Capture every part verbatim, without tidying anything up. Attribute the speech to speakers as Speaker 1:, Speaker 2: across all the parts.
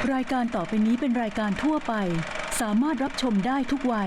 Speaker 1: รายการต่อไปนี้เป็นรายการทั่วไปสามารถรับชมได้ทุกวัย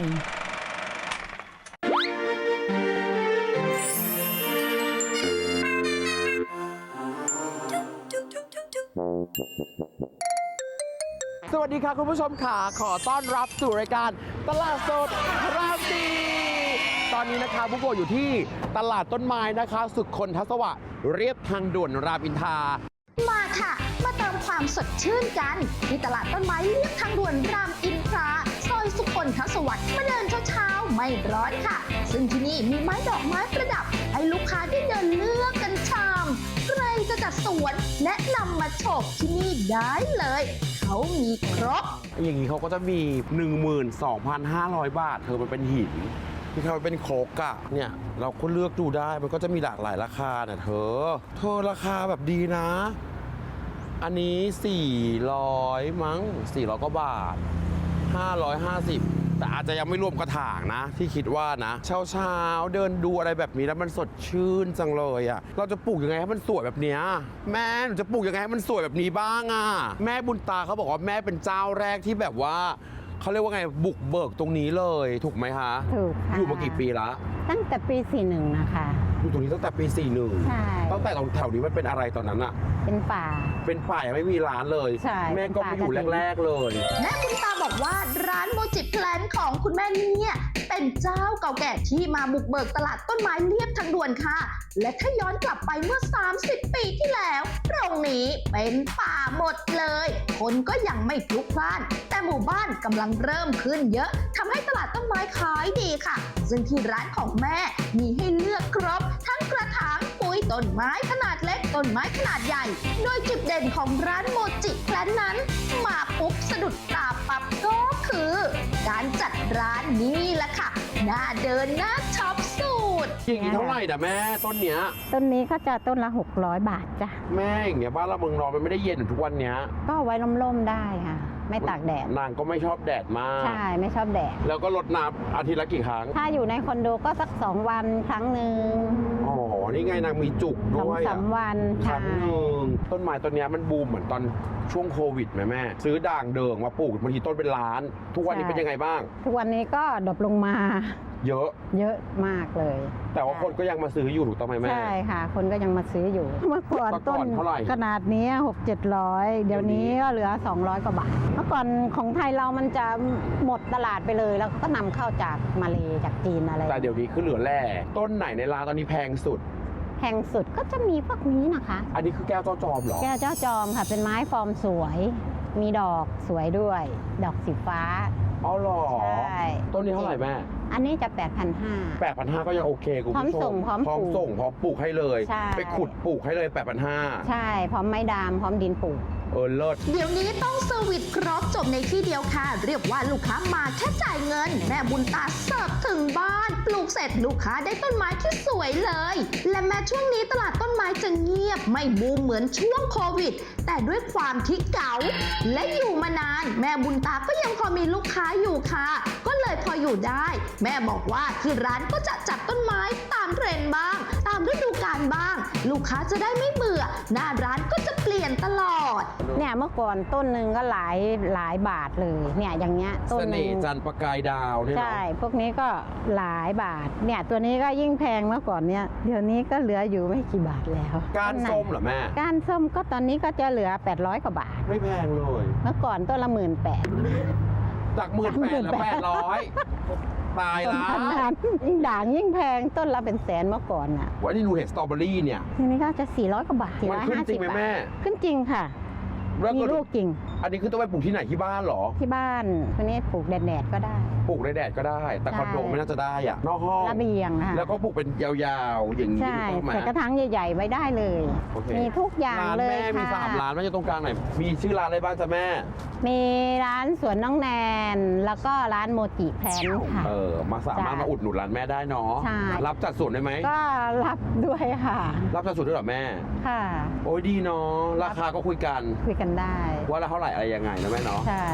Speaker 2: สวัสดีค่ะคุณผู้ชมค่ะขอต้อนรับสู่รายการตลาดสดรามดีตอนนี้นะคะบุกโกอยู่ที่ตลาดต้นไม้นะคะสุขคนทศวรรษเรียบทางด่วนรามอินทรา
Speaker 3: มาค่ะมาเติมความสดชื่นกันที่ตลาดต้นไม้เรียบทางด่วนรามอินทราซอยสุขนทศวรรษมาเดินเช้าๆไม่ร้อนค่ะซึ่งที่นี่มีไม้ดอกไม้ประดับให้ลูกค้าได้เดินเลือกกันชามใครจะจัดสวนแนะนำมาโฉบที่นี่ได้เลยเขามีครบ
Speaker 2: อย่างนี้เขาก็จะมี หนึ่งหมื่นสองพันห้าร้อย บาทเธอมันเป็นหินที่เขาเป็นโครกอะเนี่ยเราก็เลือกดูได้มันก็จะมีหลากหลายราคาเนี่ยเธอเธอราคาแบบดีนะอันนี้สี่ร้อยมั้งสี่ร้อยกว่าบาทห้าร้อยห้าสิบแต่อาจจะยังไม่รวมกระถางนะที่คิดว่านะเช้าเช้าเดินดูอะไรแบบนี้แล้วมันสดชื่นจังเลยอะเราจะปลูกยังไงให้มันสวยแบบเนี้ยแม่หนูจะปลูกยังไงให้มันสวยแบบนี้บ้างอะแม่บุญตาเขาบอกว่าแม่เป็นเจ้าแรกที่แบบว่าเขาเรียกว่าไงบุกเบิกตรงนี้เลยถูกไหมคะ
Speaker 4: ถูกค่ะ
Speaker 2: อยู่มากี่ปีละ
Speaker 4: ตั้งแต่ปีสี่สิบเอ็ดนะคะ
Speaker 2: อยู่ตรงนี้ตั้งแต่ปีสี่สิบเอ็ด
Speaker 4: ใช่
Speaker 2: ตั้งแต่ตรงแถวนี้มันเป็นอะไรตอนนั้นอะ
Speaker 4: เป็นป่า
Speaker 2: เป็นป่ายังไม่มีร้านเลย
Speaker 4: ใช่
Speaker 2: แม่ก็ไปอยู่แรกๆเลย
Speaker 3: แม่บุญตาบอกว่าร้านโมจิแพลนของคุณแม่เนี่ยเป็นเจ้าเก่าแก่ที่มาบุกเบิกตลาดต้นไม้เรียบทางด่วนค่ะและถ้าย้อนกลับไปเมื่อสามสิบปีที่แล้วตรงนี้เป็นป่าหมดเลยคนก็ยังไม่พลุกพล่านแต่หมู่บ้านกำลังเริ่มขึ้นเยอะทำให้ตลาดต้นไม้ขายดีค่ะซึ่งที่ร้านของแม่มีให้เลือกครบทั้งกระถางปุ๋ยต้นไม้ขนาดเล็กต้นไม้ขนาดใหญ่โดยจุดเด่นของร้านโมจิแพลนนั้นมาปุ๊บสะดุดตาปั๊บก็คือการจัดร้านนี่แหละค่ะน่าเดินน่าช็อปสุด
Speaker 2: อย่างนี้เท่าไหร่นะแม่ต้นเนี้ย
Speaker 4: ต้นนี้ก็จะต้นละหกร้อยบาทจ้ะ
Speaker 2: แม่อย่างเงี้ยบ้านเราเมืองนอนมันไม่ได้เย็นทุกวันเนี้ย
Speaker 4: ก็ไว้ร่มๆได้ค่ะไม่ตากแดด
Speaker 2: นางก็ไม่ชอบแดดมาก
Speaker 4: ใช่ไม่ชอบแดด
Speaker 2: แล้วก็รดน้ำอาทิตย์ละกี่ครั้ง
Speaker 4: ถ้าอยู่ในคอนโดก็สักสองวันครั้งหนึ่ง
Speaker 2: อ๋อนี่ไงนางมีจุกด้วย
Speaker 4: สามวัน
Speaker 2: ครั้งหนึ่งต้นไม้ต้นนี้มันบูมเหมือนตอนช่วงโควิดไหมแม่ซื้อด่างเดิงมาปลูกบางทีต้นเป็นล้านทุกวันนี้เป็นยังไงบ้าง
Speaker 4: ทุกวันนี้ก็ดรอปลงมา
Speaker 2: เยอะ
Speaker 4: เยอะมากเลย
Speaker 2: แต่ว่าคนก็ยังมาซื้ออยู่ถูกต้องไหมแม่
Speaker 4: ใช่ค่ะคนก็ยังมาซื้ออยู่เมื่อก่อนต้นขนาดนี้หกเจ็ดร้อยเดี๋ยวนี้ก็เหลือสองร้อยกว่าบาทเมื่อก่อนของไทยเรามันจะหมดตลาดไปเลยแล้วก็นำเข้าจากมาเลจากจีนอะไร
Speaker 2: แต่เดี๋ยวนี้คือเหลือแร่ต้นไหนในร้านตอนนี้แพงสุด
Speaker 4: แพงสุดก็จะมีพวกนี้นะคะ
Speaker 2: อันนี้คือแก้วเจ้าจอมเหรอ
Speaker 4: แก้วเจ้าจอมค่ะเป็นไม้ฟอร์มสวยมีดอกสวยด้วยดอกสีฟ้า
Speaker 2: อ๋อหรอ
Speaker 4: ใช่
Speaker 2: ต้นนี้เท่าไหร่แม่
Speaker 4: อันนี้จะ แปดพันห้าร้อย
Speaker 2: แปดพันห้าร้อย ก็ยังโอเคคุณผู้ชม
Speaker 4: พร้อมส่งพร้อม
Speaker 2: พร้อมส่งพร้อมปลูกให้เลยไปขุดปลูกให้เลย แปดพันห้าร้อย
Speaker 4: ใช่พร้อมไม้ดามพร้อมดินปลูก
Speaker 2: เออเลิศ
Speaker 3: เดี๋ยวนี้ต้องเซอร์วิสครบจบในที่เดียวค่ะเรียกว่าลูกค้ามาแค่จ่ายเงินแม่บุญตาเสิร์ฟถึงบ้านปลูกเสร็จลูกค้าได้ต้นไม้ที่สวยเลยและแม้ช่วงนี้ตลาดต้นไม้จะเงียบไม่บูมเหมือนช่วงโควิดแต่ด้วยความที่เก่าและอยู่มานานแม่บุญตาก็ยังพอมีลูกค้าอยู่ค่ะก็เลยพออยู่ได้แม่บอกว่าที่ร้านก็จะจัดต้นไม้ตามเทรนด์บ้างตามฤดูกาลบ้างลูกค้าจะได้ไม่เบื่อหน้าร้านก็จะเปลี่ยนตลอด
Speaker 4: เนี่ยเมื่อก่อนต้นหนึ่งก็หลายหลายบาทเลยเนี่ยอย่างเงี้ยต้น
Speaker 2: นึงจันประกายดาวเนี่ย
Speaker 4: ใช่พวกนี้ก็หลายบาทเนี่ยตัวนี้ก็ยิ่งแพงเมื่อก่อนเนี่ยเดี๋ยวนี้ก็เหลืออยู่ไม่กี่บาทแล้ว
Speaker 2: ก้านส้มเหรอแม่
Speaker 4: ก้านส้มก็ตอนนี้ก็จะเหลือแปดร้อยกว่าบาท
Speaker 2: ไม่แพงเลย
Speaker 4: เมื่อก่อนต้นละหมื่นแปด
Speaker 2: จากหมื่นแปดแล้วแปดร้อยตายแล้ว
Speaker 4: ยิ่งด่างยิ่งแพงต้นละเป็นแสนเมื่อก่อนอ่ะ
Speaker 2: วันนี้หนูเห็นสตรอเบอรี่เนี่ย
Speaker 4: ทีนี้ก็จะสี่ร้อยกว่าบาทสี่ร้อยห้าสิบบาทขึ้นจริงค่ะมีลูกจริง
Speaker 2: อันนี้คือต้องไปปลูกที่ไหนที่บ้านหรอ
Speaker 4: ที่บ้านคนนี้ปลูกแดดๆก็ได้
Speaker 2: ปลูกในแดดก็ได้แต่คอนโดไม่น่าจะได้อะนอกห้อง
Speaker 4: ระเบียงนะคะ
Speaker 2: แล้วก็ปลูกเป็นยาวๆอย่างนี้
Speaker 4: ใช่ใส่กระถางใหญ่ๆไว้ได้เลยมีทุกอย่างเลยค่ะ
Speaker 2: ร้านแม่มีสามร้านแม่จะตรงกลางไหนมีชื่อร้านอะไรบ้างจ๊ะแม่
Speaker 4: มีร้านสวนน้องแนนแล้วก็ร้านโมจิแพลนค่ะ
Speaker 2: เออมาสามารถมาอุดหนุนร้านแม่ได้เนาะรับจัดส่วนได้ไหม
Speaker 4: ก็รับด้วยค่ะ
Speaker 2: รับจัดส่วนด้วยเหรอแม่
Speaker 4: ค่ะ
Speaker 2: โอ้ยดีเนาะราคาก็คุยกัน
Speaker 4: คุยกันได้
Speaker 2: ว่าละเท่าไหร่อะไรยังไงนะแม่เนาะ
Speaker 4: ใช่
Speaker 3: อ่ะ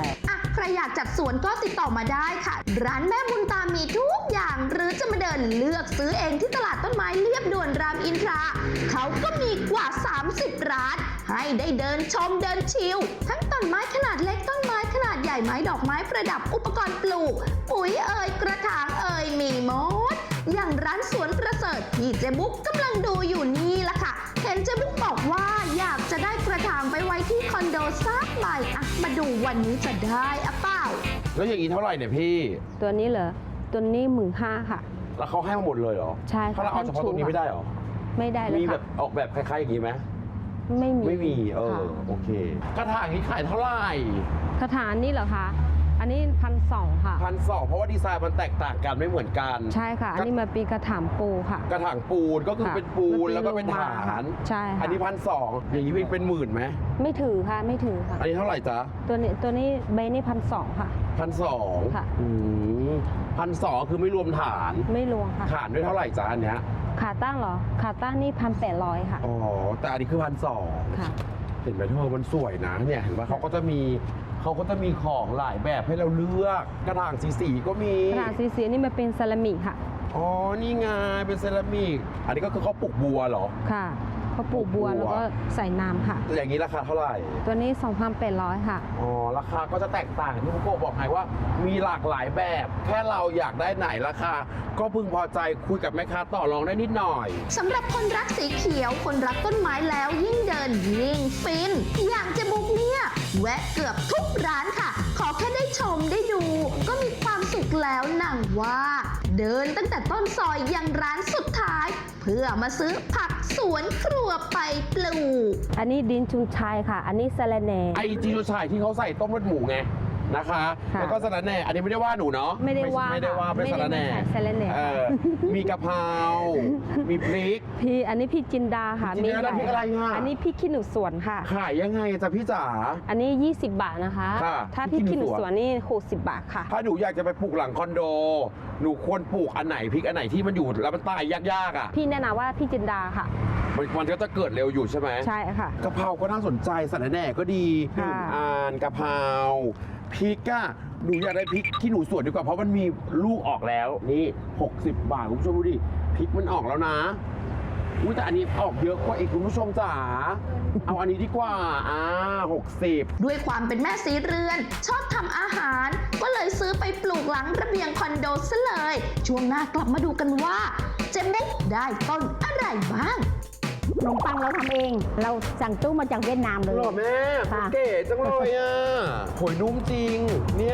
Speaker 3: ใครอยากจัดสวนก็ติดต่อมาได้ค่ะ ร้านแม่บุญตามีทุกอย่างหรือจะมาเดินเลือกซื้อเองที่ตลาดต้นไม้เลียบด่วนรามอินทราเขาก็มีกว่า สามสิบ ร้าน ให้ได้เดินชมเดินชิลทั้งต้นไม้ขนาดเล็กต้นไม้ขนาดใหญ่ไม้ดอกไม้ประดับอุปกรณ์ปลูก ปุ๋ยเอ่ยกระถางเอ่ยมีหมด อย่างร้านสวนประเสริฐที่เจ๊บุ๊กกำลังดูอยู่นี่ละค่ะ เห็นเจ๊บุ๊กบอกว่าอยากจะได้กระถางไปไว้ที่คอนโดสักใบอะมาดูวันนี้จะได้อะเปล่า
Speaker 2: แล้วอย่างนี้เท่าไหร่เนี่ยพี่
Speaker 5: ตัวนี้เหรอ ตัวนี้หมื่นห้าค่ะ
Speaker 2: แล้วเขาให้มาหมดเลยเหรอ
Speaker 5: ใช่ค่ะ
Speaker 2: ถ้าเราเอาเฉพาะตรงนี้ไม่ได้เหรอ
Speaker 5: ไม่ได้เลย
Speaker 2: มีแบ
Speaker 5: ค่ะ
Speaker 2: บออกแบบคล้ายๆอย่างนี้ไหม
Speaker 5: ไม่มี
Speaker 2: ไม่มีเออ
Speaker 5: ค่ะ
Speaker 2: โอเคกระถางนี้ขายเท่าไหร่
Speaker 5: กระถางนี่เหรอคะ อันนี้พันสองค่ะ
Speaker 2: พันสองเพราะว่าดีไซน์มันแตกต่างกันไม่เหมือนกัน
Speaker 5: ใช่ค่ะ อันนี้มาปีกระถางปูค่ะ
Speaker 2: กระถางปูนก็คือ
Speaker 5: ค่ะ
Speaker 2: เป็นปูน
Speaker 5: มันเป็น
Speaker 2: แล้วก็เป็น
Speaker 5: โลมา
Speaker 2: ฐาน
Speaker 5: ใช่ค่ะ
Speaker 2: อันนี้พันสองอย่างนี้เป็นหมื่นไหม
Speaker 5: ไม่ถือค่ะ ไม่ถือค่ะ
Speaker 2: อันนี้เท่าไหร่จ๊ะ
Speaker 5: ตัวนี้ตัวนี้ใบนี่พันสองค่ะ
Speaker 2: พันสอง
Speaker 5: ค่ะ
Speaker 2: พันสองคือไม่รวมฐาน
Speaker 5: ไม่รวมค่ะ
Speaker 2: ฐานด้วยเท่าไหร่จ๊ะอันเนี้ย
Speaker 5: ขาตั้งเหรอ ขาตั้งนี่พันแปดร้อยค่ะ
Speaker 2: อ๋อแต่อันนี้คือพันสอง
Speaker 5: ค่ะ
Speaker 2: เห็นไหมเธอมันสวยนะเนี่ยเห็นว่าเขาก็จะมีเขาก็จะมีของหลายแบบให้เราเลือกกระถางสีสีๆก็มี
Speaker 5: กระถางสีเสียนี่มาเป็นเซรามิกค่ะ
Speaker 2: อ๋อนี่ไงเป็นเซรามิกอันนี้ก็คือเขาปลูกบัวเหรอ
Speaker 5: ค่ะเขาปลูกบัว
Speaker 2: ปลูกบัว
Speaker 5: แล้วก็ใส่น้ำค่ะ
Speaker 2: อย่างนี้ราคาเท่าไหร่
Speaker 5: ตัวนี้สองพันแปดร้อยค่ะ
Speaker 2: อ๋อราคาก็จะแตกต่างที่คุณโกบอกไงว่า มีหลากหลายแบบ แค่เราอยากได้ไหนราคา ก็พึงพอใจคุยกับแม่ค้าต่อรองได้นิดหน่อย
Speaker 3: สำหรับคนรักสีเขียว คนรักต้นไม้แล้วยิ่งเดินยิ่งฟิน อย่างเจบุกเนี่ย แวะเกือบทุกร้านค่ะ ขอแค่ได้ชมได้ดู ก็มีความสุขแล้วหนังว่า เดินตั้งแต่ต้นซอยยังร้านสุดท้าย เพื่อมาซื้อผักสวนครัวไปปลูก
Speaker 5: อันนี้ดินชุนชัยค่ะ อันนี้สะระแหน่
Speaker 2: ไอจีโรชายที่เขาใส่ต้มเลือดหมูไงนะคะ
Speaker 5: ค่ะ
Speaker 2: แล้วก็สาระแหน่อันนี้ไม่ได้ว่าหนูเนาะ
Speaker 5: ไม่ได้ว่า
Speaker 2: ไม่ได้ว่าเป็น
Speaker 5: ไม่
Speaker 2: สา
Speaker 5: ได้
Speaker 2: ระแหน่
Speaker 5: ไม่ใช่สาระแหน่
Speaker 2: เออมีกะเพรา มีพริก
Speaker 5: พี่อันนี้พี่จินดาค่ะ
Speaker 2: พี่จินดา
Speaker 5: หลาย
Speaker 2: พริกอะไรอ่ะ
Speaker 5: อันนี้พี่ขี้หนูสวนค่ะ
Speaker 2: ขายยังไงจ๊ะพี่จ๋า
Speaker 5: อันนี้ ยี่สิบบาทนะคะ
Speaker 2: ค่ะ
Speaker 5: ถ้า
Speaker 2: พริ
Speaker 5: พี่
Speaker 2: กขี้
Speaker 5: ขี้
Speaker 2: ห
Speaker 5: ห
Speaker 2: นู
Speaker 5: นู
Speaker 2: สวน
Speaker 5: สวนนี่หกสิบบาทค่ะ
Speaker 2: ถ้าหนูอยากจะไปปลูกหลังคอนโด หนูควรปลูกอันไหนพริกอันไหนที่มันอยู่แล้วมันตายยากๆอ่ะ
Speaker 5: พี่แนะนำว่าพี่จินดาค่ะ
Speaker 2: มันมันก็จะเกิดเร็วอยู่ใช่ไหม
Speaker 5: ใช่ค่ะ
Speaker 2: กะเพราก็น่าสนใจสาระแหน่ก็ดีห
Speaker 5: ค่ะ
Speaker 2: นึ่งอันกะเพราพริกอะหนูอยากได้พริกที่หนูสวนดีกว่าเพราะมันมีลูกออกแล้วนี่หกสิบบาทคุณผู้ชมดูดิพริกมันออกแล้วนะอุ้ยแต่อันนี้ออกเยอะกว่าอีกคุณผู้ชมจ๋าเอาอันนี้ดีกว่าอ่าหกสิบ
Speaker 3: ด้วยความเป็นแม่สีเรือน ชอบทำอาหาร ก็เลยซื้อไปปลูกหลังระเบียงคอนโดซะเลย ช่วงหน้ากลับมาดูกันว่า เจมุกได้ต้นอะไรบ้าง
Speaker 4: ขนมปังเราทำเอง เราสั่งตู้มาจากเวียดนามเลย
Speaker 2: หรอแม่
Speaker 4: ค่ะ
Speaker 2: เก๋จังเลยอ่ะโหยนุ่มจริงเนี่ย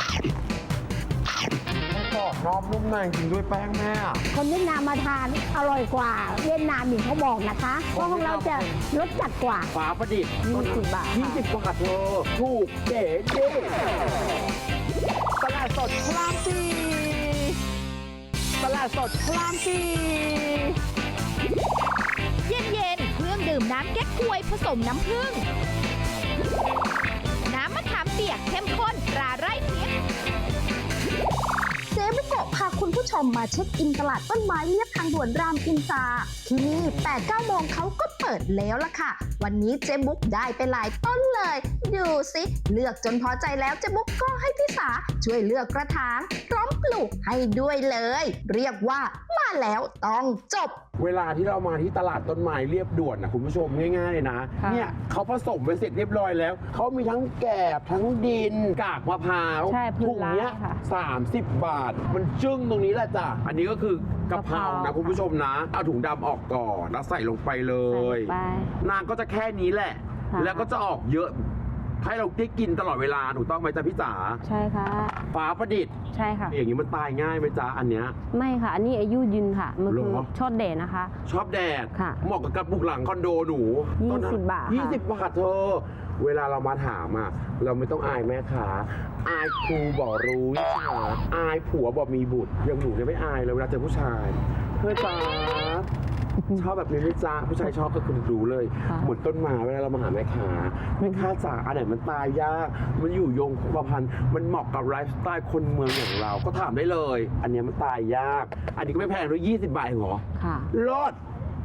Speaker 2: กรอบนอกนุ่มในจริงด้วยแป้งแม่
Speaker 4: คนเวียดนามมาทานอร่อยกว่า เวียดนามอีกเขาบอกนะคะเพราะของเราจะรสจัดกว่า
Speaker 2: ฝาประดิษฐ์
Speaker 5: ยี่สิบบาทค่ะ
Speaker 2: ยี่สิบบาทเธอถูกเก๋จริงตลาดสดพลามปีตลาดสดพลามปี
Speaker 6: เย็นๆ เครื่องดื่มน้ำเก๊กฮวยผสมน้ำผึ้ง น้ำมะขามเปียกเข้มข้นตราไร่ทิพย์
Speaker 3: เจ๊บุโกะพาคุณผู้ชมมาเช็คอินตลาดต้นไม้เรียบทางด่วนรามอินทราที่นี่ แปดเก้า โมงเขาก็เปิดแล้วล่ะค่ะ วันนี้เจ๊บุ๊กได้ไปหลายต้นเลย ดูสิเลือกจนพอใจแล้วเจ๊บุ๊กก็ให้พี่สาช่วยเลือกกระถางพร้อมปลูกให้ด้วยเลย เรียกว่ามาแล้วต้องจบ
Speaker 2: เวลาที่เรามาที่ตลาดต้นไม้เรียบด่วนนะคุณผู้ชมง่ายๆเลยนะ
Speaker 5: ค่ะ
Speaker 2: เนี่ยเขาผสมไปเสร็จเรียบร้อยแล้วเขามีทั้งแกบทั้งดินกากมะพร้าว
Speaker 5: ใช่พื้น
Speaker 2: ถุงเนี้ย
Speaker 5: ร้านค่ะ
Speaker 2: สามสิบบาท มันจึ้งตรงนี้แหละจ้ะอันนี้ก็คือกะเพราก
Speaker 5: ะเพรา
Speaker 2: นะคุณผู้ชมนะเอาถุงดำออกก่อนแล้วใส่ลงไปเล
Speaker 5: ใส่
Speaker 2: ย
Speaker 5: ไป
Speaker 2: นางก็จะแค่นี้แหละ
Speaker 5: ค่ะ
Speaker 2: แล้วก็จะออกเยอะ ให้เราได้กินตลอดเวลาถูกต้องไหมจ๊ะพี่จ๋า
Speaker 5: ใช่ค่ะ
Speaker 2: ฟ้าประดิษฐ์
Speaker 5: ใช่ค่ะ
Speaker 2: อย่างนี้มันตายง่ายไหมจ๊ะอันเนี้ย
Speaker 5: ไม่ค่ะ อันนี้อายุยืนค่ะ มันคือ
Speaker 2: เหรอ
Speaker 5: ชอดเดชนะคะ
Speaker 2: ชอบแดด
Speaker 5: ค่ะ
Speaker 2: เหมาะกับการปลูกหลังคอนโดหนู
Speaker 5: ยี่
Speaker 2: ต้นนั้น
Speaker 5: สิบบาทค่ะ
Speaker 2: ยี่สิบบาทเธอ เวลาเรามาถามอ่ะ เราไม่ต้องอายแม่ค้าอายครูบอกรู้วิชาอายผัวบอกมีบุตรยังหนูเนี่ยไม่อายเลยเวลาเจอผู้ชาย เพื่อจ้าชอบแบบนี้ไหม่จ้าผู้ชายชอบก็คือรู้เลย
Speaker 5: ค่ะ
Speaker 2: เหมือนต้นไม้เวลาเรามาหาแม่ค้าแม่ค้าจ๋าอันไหนมันตายยากมันอยู่ยงคงกระพันมันเหมาะกับไลฟ์สไตล์คนเมืองอย่างเราก็ถามได้เลย อันเนี้ยมันตายยาก อันนี้ก็ไม่แพงด้วยยี่สิบบาทเองเหรอ
Speaker 5: ค่ะ
Speaker 2: รอด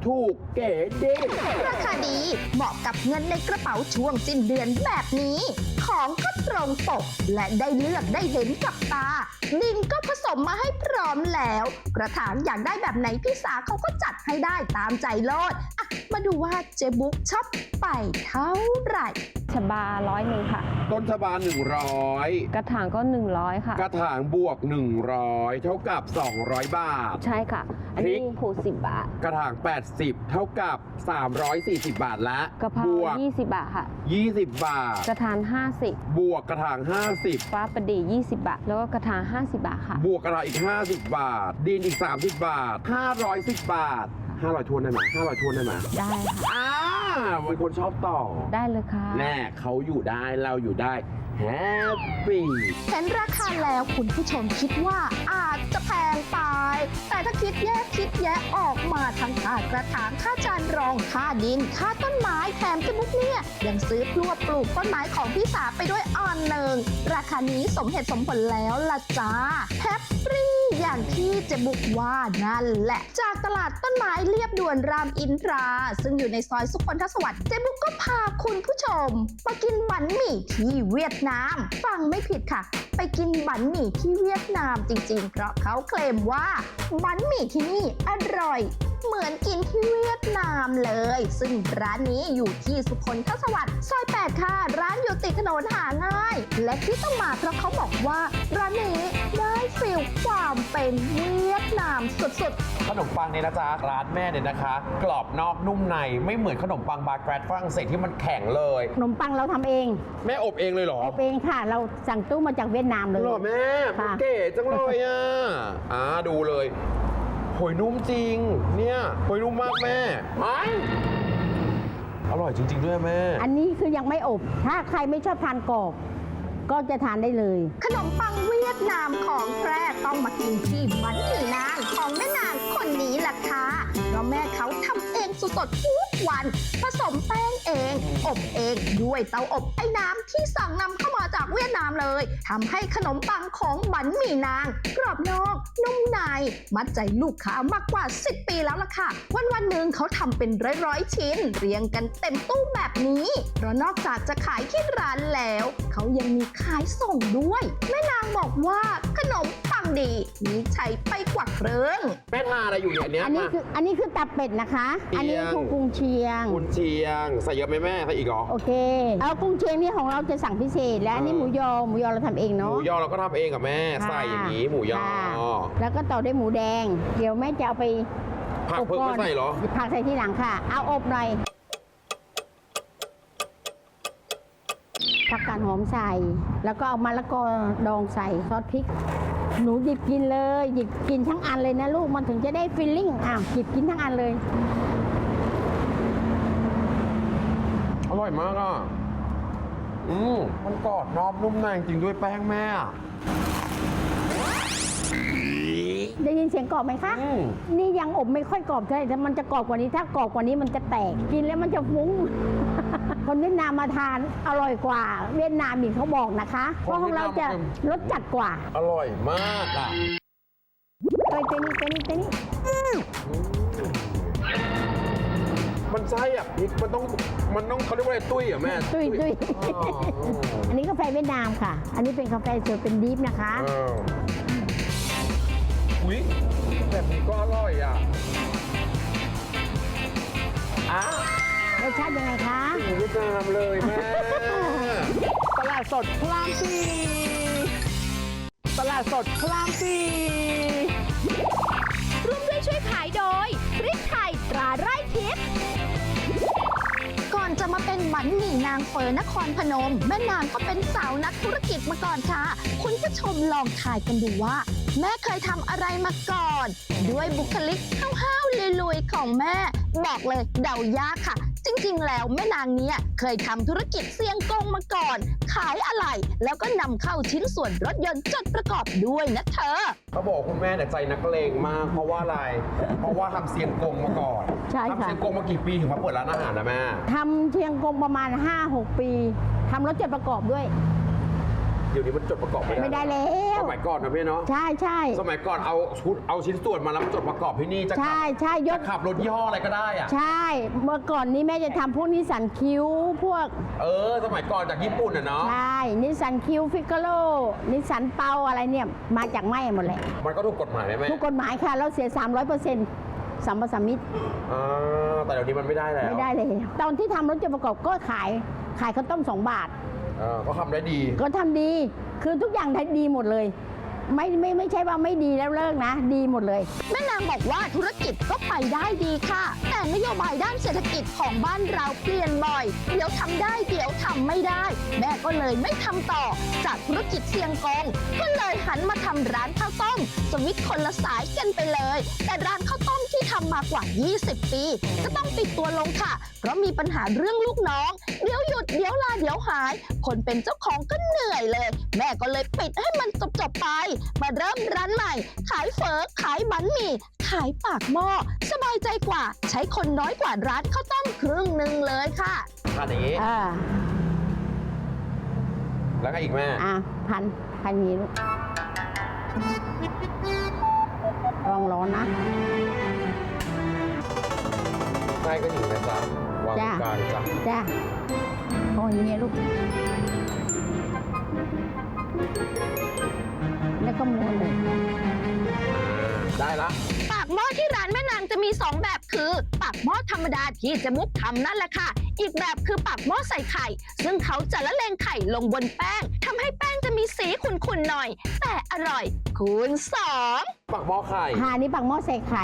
Speaker 2: ถูกเก๋ดี
Speaker 3: ราคาดีเหมาะกับเงินในกระเป๋าช่วงสิ้นเดือนแบบนี้ ของก็ตรงปกและได้เลือกได้เห็นกับตา ดินก็ผสมมาให้พร้อมแล้ว กระถางอยากได้แบบไหนพี่สาเขาก็จัดให้ได้ตามใจโลดอ่ะมาดูว่าเจ๊บุ๊กชอบไปเท่าไหร่
Speaker 5: ชบาร้อยหนึ่งค่ะ
Speaker 2: ต้นชบาหนึ่งร้อย
Speaker 5: กระถางก็หนึ่งร้อยค่ะ
Speaker 2: กระถางบวกหนึ่งร้อยเท่ากับสองร้อยบาท
Speaker 5: ใช่ค่ะ อันนี้
Speaker 2: พริก
Speaker 5: ผูสิบบาท
Speaker 2: กระถางแปดสิบเท่ากับสามร้อยสี่สิบบาทละ
Speaker 5: กะเพรา
Speaker 2: บวก
Speaker 5: ยี่สิบบาทค่ะ
Speaker 2: ยี่สิบบาท
Speaker 5: กระถางห้าสิบบ
Speaker 2: วกกระถางห้าสิบ
Speaker 5: ฟ้าประดียี่สิบบาท แล้วก็กระถางห้าสิบบาทค่ะ
Speaker 2: บวกกระถางอีกห้าสิบบาท ดินอีกสามสิบบาทห้าร้อยสิบบาทห้าร้อยทวนได้ไหมห้าร้อยทวนได้ไหม
Speaker 5: ได้ค่ะ
Speaker 2: อ่าเป็นคนชอบต่อ
Speaker 5: ได้เลยค่ะ
Speaker 2: แน่เขาอยู่ได้เราอยู่ได้แฮปปี้
Speaker 3: เห็นราคาแล้วคุณผู้ชมคิดว่าอาจจะแพงไป แต่ถ้าคิดแยกคิดแยะออกมาทั้งค่ากระถางค่าจานรองค่าดิน ค่าต้นไม้แถมเจมุกเนี่ยยังซื้อพลวดปลูกต้นไม้ของพี่สาไปด้วยอ่อนหนึ่งราคานี้สมเหตุสมผลแล้วล่ะจ้าแฮปปี้อย่างที่เจบุกว่านั่นแหละ จากตลาดต้นไม้เรียบด่วนรามอินทรา ซึ่งอยู่ในซอยสุขนทสวัสดิ์เจบุกก็พาคุณผู้ชมมากินบันหมี่ที่เวียดนาม ฟังไม่ผิดค่ะ ไปกินบันหมี่ที่เวียดนามจริงๆ เพราะเขาเคลมว่าบันหมี่ที่นี่อร่อย เหมือนกินที่เวียดนามเลย ซึ่งร้านนี้อยู่ที่สุขนทสวัสดิ์ซอยแปดค่ะ ร้านอยู่ติดถนนหาง่าย และที่ต้องมาเพราะเขาบอกว่าร้านนี้ได้ฟีลความเป็นเวียดนามสุดๆ
Speaker 2: ขนมปังเนี่ยนะจ๊ะร้านแม่เนี่ยนะคะ กรอบนอกนุ่มในไม่เหมือนขนมปังบาแกรดฝรั่งเศสที่มันแข็งเลย
Speaker 4: ขนมปังเราทำเอง
Speaker 2: แม่อบเองเลยเหรอ
Speaker 4: อบเองค่ะ เราสั่งตู้มาจากเวียดนามเลย
Speaker 2: เหรอแม่มัน
Speaker 4: ค่ะ
Speaker 2: เก๋จังเลยอ่ะอ่าดูเลยหอยนุ่มจริง เนี่ยหอยนุ่มมากแม่ไม่อร่อยจริง ๆ ด้วยแม่
Speaker 4: อันนี้คือยังไม่อบ ถ้าใครไม่ชอบทานกรอบก็จะทานได้เลย
Speaker 3: ขนมปังเวียดนามของแท้ต้องมากินที่บันหมี่นางของแม่นางคนนี้แหละค่ะเพราะแม่เขาทำเองสดๆทุกวัน ผสมแป้งเอง อบเองด้วยเตาอบไอ้น้ำที่สั่งนำเข้ามาจากเวียดนามเลยทำให้ขนมปังของบันหมี่นาง กรอบนอกนุ่มในมัดใจลูกค้ามากกว่าสิบปีแล้วล่ะค่ะ วันวันๆหนึ่งเขาทำเป็นร้อยๆชิ้น เรียงกันเต็มตู้แบบนี้เพราะนอกจากจะขายที่ร้านแล้วเขายังมีขายส่งด้วยแม่นางบอกว่าขนมปังดีมีใช้ไปกว่าเครื่อง
Speaker 2: แม่ทาอะไรอยู่เนี่ยอันเนี้ย
Speaker 4: อันนี้คืออันนี้คือตับเป็ดนะคะ อันนี้คือกุ้งเชียง
Speaker 2: คุณเชียง ใส่เยอะไหมแม่ใส่อีกเหรอ
Speaker 4: โอเค เอากุ้งเชียงนี่ของเราจะสั่งพิเศษ และอันนี้
Speaker 2: เออ
Speaker 4: หมูยอ หมูยอเราทำเอง
Speaker 2: ห
Speaker 4: เนาะ
Speaker 2: มูยอเราก็ทำเองกับแม่
Speaker 4: ค่ะ
Speaker 2: ใส่อย่างนี้หมูยอ
Speaker 4: ค่ะแล้วก็ต่อด้วยหมูแดง เดี๋ยวแม่จะเอาไป
Speaker 2: ผักเพิ่งไม่ใส่เหรอ
Speaker 4: ผักใส่ที่หลังค่ะ เอาอบหน่อยผักกาดหอมใส่ แล้วก็เอามะละกอดองใส่ซอสพริก หนูหยิบกินเลยหยิบกินทั้งอันเลยนะลูกมันถึงจะได้ฟีลลิ่งอ้าวหยิบกินทั้งอันเลย
Speaker 2: อร่อยมากอ่ะ อืมมันกรอบนอบนุ่มในจริงด้วยแป้งแม่อะ
Speaker 4: ได้ยินเสียงกรอบไหมคะ
Speaker 2: อืม
Speaker 4: นี่ยังอบไม่ค่อยกรอบเท่าไหร่แต่มันจะกรอบกว่านี้ ถ้ากรอบกว่านี้มันจะแตก กินแล้วมันจะฟุ้ง คนเวียดนามมาทานอร่อยกว่า เวียดนามอีกเขาบอกนะคะ เพราะของเราจะรสจัดกว่า
Speaker 2: อร่อยมากอ่ะ
Speaker 4: เอ้ยเจนี่เจนี่เจนี่
Speaker 2: มันใช่อ่ะพริกมันต้อง มันต้องเขาเรียกว่าอะไรตุ้ยเหรอ่ะแม่
Speaker 4: ตุ้ยตุ้ย
Speaker 2: อ๋อ
Speaker 4: อันนี้กาแฟเวียดนามค่ะ อันนี้เป็นกาแฟสดเป็นดิฟนะคะ
Speaker 2: อ้าวอุ๊ยแบบนี้ก็อร่อยอ่ะอ้าว
Speaker 4: รสชาติยังไงคะ
Speaker 2: ถึงเวียดนามเลยแม่
Speaker 7: ตลาดสดพระรามสี่ตลาดสดพระรามสี่
Speaker 6: ร่วมด้วยช่วยขายโดยพริกไทยตราไร่ทิพย์
Speaker 3: ก่อนจะมาเป็นบันหมี่นางเฟอนครพนม แม่นางก็เป็นสาวนักธุรกิจมาก่อนค่ะ คุณผู้ชมลองทายกันดูว่า แม่เคยทำอะไรมาก่อน ด้วยบุคลิกห้าวๆลุยๆของแม่บอกเลยเดายากค่ะ จริงๆ แล้วแม่นางเนี้ยเคยทำธุรกิจเสี่ยงกงมาก่อน ขายอะไหล่แล้วก็นำเข้าชิ้นส่วนรถยนต์จดประกอบด้วยนะเธอ
Speaker 2: เขาบอกคุณแม่เนี่ยใจนักเลงมาก เพราะว่าอะไร เพราะว่าทำเซียงกงมาก่อน
Speaker 4: ใช่ค่ะ
Speaker 2: ทำเซียงกงมากี่ปีถึงมาเปิดร้านอาหารนะแม่
Speaker 4: ทำเชียงกงประมาณ ห้าหก ปีทำรถจดประกอบด้วย
Speaker 2: รดี๋ยวนี้มันจดประกอบไม่ได้
Speaker 4: ไม่ได้แล้ว
Speaker 2: สมัยก่อนนะพี่เนาะ
Speaker 4: ใช่ใช่
Speaker 2: สมัยก่อนเอาชุดเอาชิ้นส่วนมาแล้วมาจดประกอบที่นี่จะขั
Speaker 4: ใช่
Speaker 2: บ
Speaker 4: ใช่ย
Speaker 2: จะ
Speaker 4: ก
Speaker 2: ขับรถยี่ห้ออะไรก็ได้อะ
Speaker 4: ใช่ เมื่อก่อนนี้แม่จะทำพวกนิสสันคิวพวก
Speaker 2: เออ สมัยก่อนจากญี่ปุ่นอ่ะเนาะ
Speaker 4: ใช่ นิสสันคิวฟิกาโลนิสสันเปาอะไรเนี่ย มาจากแม่หมดเลย
Speaker 2: มันก็ถูกกฎหมายไหมแม่
Speaker 4: ทุกกฎหมายค่ะ เราเสีย สามร้อยเปอร์เซ็นต์ สัมปสัมมิต
Speaker 2: อ่าแต่เดี๋ยวนี้มันไม่ได้แล้ว
Speaker 4: ไม่ได้เลย ตอนที่ทำรถจดประกอบก็ขายขายข้าวต้มสองบาท
Speaker 2: เออก็ทำได้ดี
Speaker 4: ก็ทำดี คือทุกอย่างทำดีหมดเลย ไม่ไม่ไม่ใช่ว่าไม่ดีแล้วเลิกนะ ดีหมดเลย
Speaker 3: แม่นางบอกว่าธุรกิจก็ไปได้ดีค่ะ แต่นโยบายด้านเศรษฐกิจของบ้านเราเปลี่ยนบ่อย เดี๋ยวทำได้เดี๋ยวทำไม่ได้ แม่ก็เลยไม่ทำต่อ จากธุรกิจเสี่ยงกงก็เลยหันมาทำร้านข้าวต้มสวิตช์คนละสายกันไปเลย แต่ร้านข้าวต้มที่ทำมากว่า ยี่สิบ ปีก็ต้องปิดตัวลงค่ะ เพราะมีปัญหาเรื่องลูกน้อง เดี๋ยวหยุดเดี๋ยวลาเดี๋ยวหาย คนเป็นเจ้าของก็เหนื่อยเลย แม่ก็เลยปิดให้มันจบๆไป มาเริ่มร้านใหม่ ขายเฝอขายบั๋นหมี่ขายปากหม้อสบายใจกว่า ใช้คนน้อยกว่าร้านข้าวต้มครึ่งหนึ่งเลยค่ะ
Speaker 2: ทานอย่างนี้
Speaker 4: อ่า
Speaker 2: แล้วก็อีกแม่
Speaker 4: อ่ะพันพันนี้ลูกลองร้อนนะ
Speaker 2: ใช่ก็อยู่นะจ๊ะวางตรงกลางจ้ะ
Speaker 4: จ้าโอ้ยเนี่ยลูก แล้วก็ม้วนเลย
Speaker 2: ได้ละ
Speaker 3: ปากหม้อที่ร้านแม่นางจะมีสองแบบคือปากหม้อธรรมดาที่เจะมุกทำนั่นแหละค่ะ อีกแบบคือปากหม้อใส่ไข่ ซึ่งเขาจะละเลงไข่ลงบนแป้งทำให้แป้งจะมีสีขุ่นๆหน่อย แต่อร่อยคูณสอง
Speaker 2: ปักหม้อไข่
Speaker 4: หานี่ปากหม้อใส่ไข่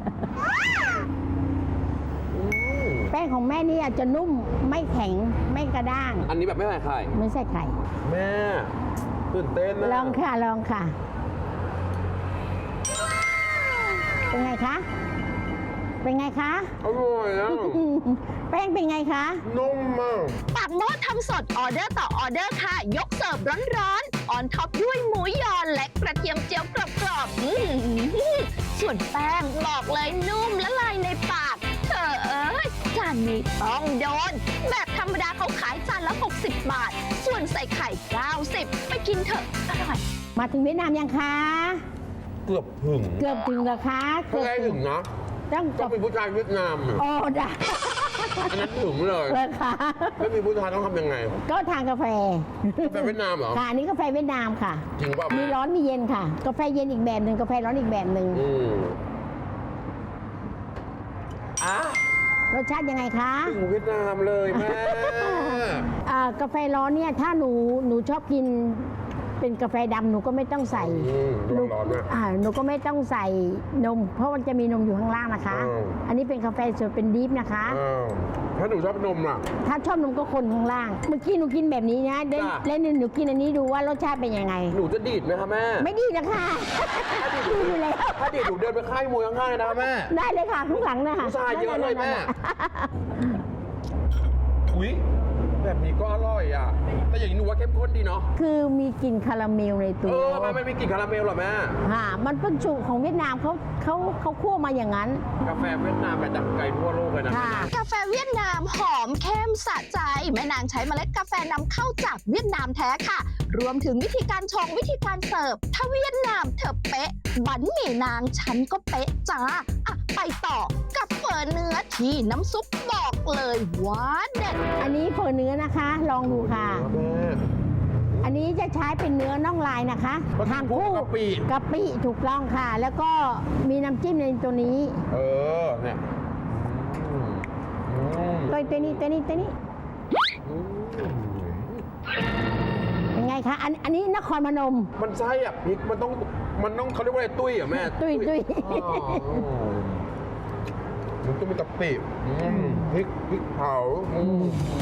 Speaker 2: อืม
Speaker 4: แป้งของแม่นี่อาจจะนุ่มไม่แข็งไม่กระด้าง
Speaker 2: อันนี้แบบไม่ใส่ไข่
Speaker 4: ไม่ใส่ไข่
Speaker 2: แม่ตื่นเต้นนะ
Speaker 4: ลองค่ะลองค่ะ เป็นไงคะ เป็นไงคะ
Speaker 2: อร่อยนะ
Speaker 4: แป้งเป็นไงคะ
Speaker 2: นุ่มมาก
Speaker 3: ปากหม้อทำสดออเดอร์ต่อออเดอร์ค่ะ ยกเสิร์ฟร้อนๆออนท็อปด้วยหมูยอและกระเทียมเจียวกรอบๆอื้อหือส่วนแป้งบอกเลยนุ่มละลายในปากเธอเอ้ยจานนี้ต้องโดน แบบธรรมดาเขาขายจานละ หกสิบบาท ส่วนใส่ไข่ เก้าสิบ ไปกินเถอะอร่อย
Speaker 4: มาถึงเวียดนามยังคะ
Speaker 2: เกือบถึง
Speaker 4: เกือบถึงแล้วคะ
Speaker 2: ถ้าไงถึงนะ
Speaker 4: ต้องจ
Speaker 2: ต้อง
Speaker 4: บ
Speaker 2: เป็นผู้ชายเวียดนามอะ
Speaker 4: โอ้ได้
Speaker 2: อันนั้นถึงเลย
Speaker 4: เลยค่ะ
Speaker 2: ไม่มีผู้ชายต้องทำยังไง
Speaker 4: ก็ทานกาแฟ
Speaker 2: กาแฟเวียดนามเหรอ
Speaker 4: ค่ะอันนี้กาแฟเวียดนามค่ะ
Speaker 2: จริงป่ะ
Speaker 4: มี
Speaker 2: แม่
Speaker 4: ร้อนมีเย็นค่ะ กาแฟเย็นอีกแบบหนึ่งกาแฟร้อนอีกแบบหนึ่ง
Speaker 2: อืมอ่ะ
Speaker 4: รสชาติยังไงคะ
Speaker 2: ถึงเวียดนามเลยแม่
Speaker 4: อ่ากาแฟร้อนเนี่ยถ้าหนูหนูชอบกินเป็นกาแฟดำหนูก็ไม่ต้องใส่
Speaker 2: อืม
Speaker 4: หนู
Speaker 2: ร้อนๆนะ
Speaker 4: อ่าหนูก็ไม่ต้องใส่นม เพราะมันจะมีนมอยู่ข้างล่างนะคะ
Speaker 2: อ้าว
Speaker 4: อันนี้เป็นกาแฟสดเป็นดิฟนะคะ
Speaker 2: อ้าวถ้าหนูชอบนมล่ะ
Speaker 4: ถ้าชอบนมก็คนข้างล่าง เมื่อกี้หนูกินแบบนี้นะเล่น
Speaker 2: จ้ะ
Speaker 4: เล่นหนูกินอันนี้ดูว่ารสชาติเป็นยังไง
Speaker 2: หนูจะดีดไหมคะแม่
Speaker 4: ไม่ดีนะคะดีอยู่แล้ว
Speaker 2: ถ้าดีดหนูเดินไปค่ายมวยข้างๆเลยนะแม่
Speaker 4: ได้เลยค่ะข้างหลังนะคะ
Speaker 2: ผู้ชายเยอะเลยแม่
Speaker 4: นั่นๆ
Speaker 2: อุ้ยแบบนี้ก็อร่อยอ่ะ แต่อย่างนี้หนูว่าเข้มข้นดีเนาะ
Speaker 4: ๆคือมีกลิ่นคาราเมลในตั
Speaker 2: เอ
Speaker 4: ว
Speaker 2: อมันไม่มีกลิ่นคาราเมลหรอแม่
Speaker 4: ค่ะมันเป็นสูตรของเวียดนามเขาเขาเขาคั่วมาอย่างนั้น
Speaker 2: กาแฟเวียดนามแบบดังไกลทั่วโลกเลยนะ
Speaker 4: ค่ะ
Speaker 3: กาแฟเวียดนามหอมเข้มสะใจ แม่นางใช้เมล็ดกาแฟนำเข้าจากเวียดนามแท้ค่ะ รวมถึงวิธีการชงวิธีการเสิร์ฟ ถ้าเวียดนามเธอเป๊ะ บั๋นหมี่นางฉันก็เป๊ะจ้าอ่ะไปต่อกับเฝอเนื้อที่น้ำซุปบอกเลยว่าเด็ด
Speaker 4: อันนี้เฝอเนื้อนะคะ ลองดูค่ะ
Speaker 2: แม่
Speaker 4: อันนี้จะใช้เป็นเนื้อน่องลายนะคะ
Speaker 2: มัน
Speaker 4: ทาน
Speaker 2: คู่
Speaker 4: คู่
Speaker 2: กะปิ
Speaker 4: กะปิถูกต้องค่ะ แล้วก็มีน้ำจิ้มในตัวนี้
Speaker 2: เออ เนี่ยอืมอืม
Speaker 4: ตัวตัวนี้ตัวนี้ตัวนี้
Speaker 2: อืม
Speaker 4: เป็นไงคะ อันอันนี้นครพนม
Speaker 2: มันใช่อ่ะพริก มันต้อง มันต้องเขาเรียกว่าอะไรตุ้ยเหรอ่ะแม่
Speaker 4: ตุ้ยตุ้ย
Speaker 2: อ๋อมันต้องมีกะปิอืมพริกพริกเผาอืม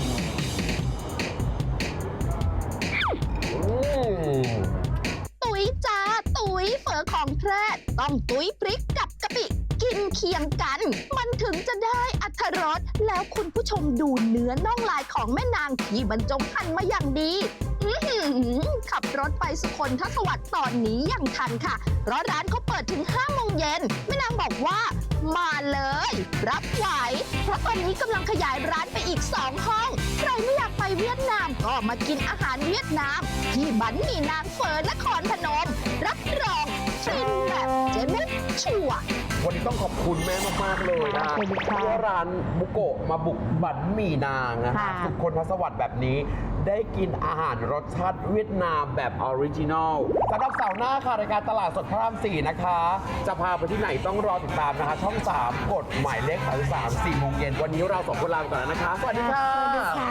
Speaker 2: อืม
Speaker 3: ตุ๋ยจ้าตุ๋ยเฝอของแพร่ต้องตุ๋ยพริกกับกะปิกินเคียงกัน มันถึงจะได้อรรถรสแล้วคุณผู้ชมดูเนื้อน่องลายของแม่นางที่บรรจงหั่นมาอย่างดี อื้อหือขับรถไปสุคนทศวรรษตอนนี้ยังทันค่ะ เพราะร้านเขาเปิดถึงห้าโมงเย็นแม่นางบอกว่ามาเลย รับไหว เพราะตอนนี้กำลังขยายร้านไปอีกสองห้อง ใครไม่อยากไปเวียดนามก็ก็มากินอาหารเวียดนาม ที่บันหมี่นางเฟิร์นนครพนม รับรองฟินแบบเจ๊มุกชัวร์
Speaker 2: วันนี้ต้องขอบคุณแม่มากๆเลยนะ
Speaker 4: ขอบคุณค่ะ
Speaker 2: ที่ร้านบุโกะมาบุกบันหมี่นางนะคะ
Speaker 4: ค่ะ
Speaker 2: ทุกคนทศวรรษแบบนี้ได้กินอาหารรสชาติเวียดนามแบบออริจินอลสำหรับเสาร์หน้าค่ะรายการตลาดสดพระรามสี่นะคะ จะพาไปที่ไหนต้องรอติดตามนะคะ ช่อง สาม กดหมายเลขสามสาม สี่โมงเย็นวันนี้เราสองคนลาไปก่อนแล้วนะคะ สวัสดีค่ะ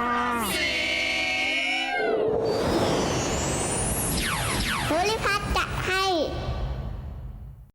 Speaker 4: ค่ะ
Speaker 8: ภูริพัฒน์จะ